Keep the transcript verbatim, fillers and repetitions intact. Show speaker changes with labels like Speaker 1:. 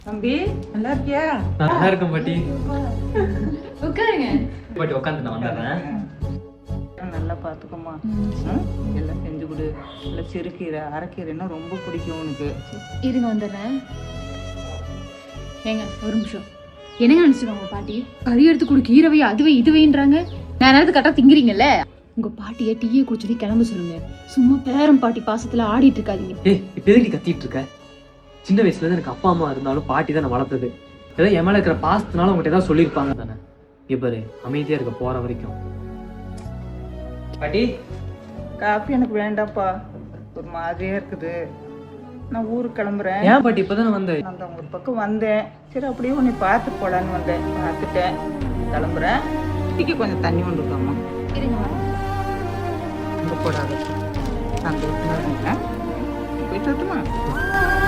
Speaker 1: தம்பி நல்லா இருக்கியா?
Speaker 2: நல்லா இருக்கும் பாட்டி.
Speaker 3: உட்காருங்க
Speaker 2: பாட்டி உட்காந்து நான் வந்துடுறேன்.
Speaker 1: நல்லா பார்த்துக்கோமா. எல்லாம் செஞ்சு கொடு. இல்லை சிறுகீரை அரைக்கீரைன்னா ரொம்ப பிடிக்கும் உனக்கு.
Speaker 3: இருங்க வந்துடுறேன். ஏங்க ஒரு நிமிஷம். என்னங்க நினைச்சிருக்காங்க உங்க பாட்டி? கறி எடுத்து கொடு, கீரவை அதுவே இதுவைன்றாங்க. நான் நேரத்துக்கு கரெக்டாக திங்கிறீங்கல்ல. உங்க பாட்டியை டீயை குடிச்சது கிளம்ப சொல்லுங்க. சும்மா பேரம் பாட்டி பாசத்துல ஆடிட்டு இருக்காதீங்க.
Speaker 2: ஏய் இப்ப எதுக்கு கத்திட்டு இருக்க? சின்ன வயசுல இருந்து எனக்கு அப்பா அம்மா இருந்தாலும் பாட்டி தான் நான் வளர்த்தது. ஏதோ என் மேல இருக்கிற பாசத்தினால உங்ககிட்ட ஏதாவது சொல்லியிருப்பாங்க தானே. இப்ப அமைதியா இருக்க போற வரைக்கும். பாட்டி
Speaker 1: காஃபி எனக்கு வேண்டாம்ப்பா, ஒரு மாதிரியா இருக்குது. நான் ஊருக்கு கிளம்புறேன்.
Speaker 2: ஏன் பாட்டி இப்பதானே வந்தேன்?
Speaker 1: நான் தான் ஒரு பக்கம் வந்தேன். சரி அப்படியே உன்னை பார்த்து போலான்னு வந்தேன். பார்த்துட்டேன், கிளம்புறேன். டீக்கு கொஞ்சம் தண்ணி கொண்டுக்கோமா.
Speaker 3: இருங்க வரேன்.
Speaker 1: இங்கே போடாத. அந்த போயிட்டு வரட்டுமா?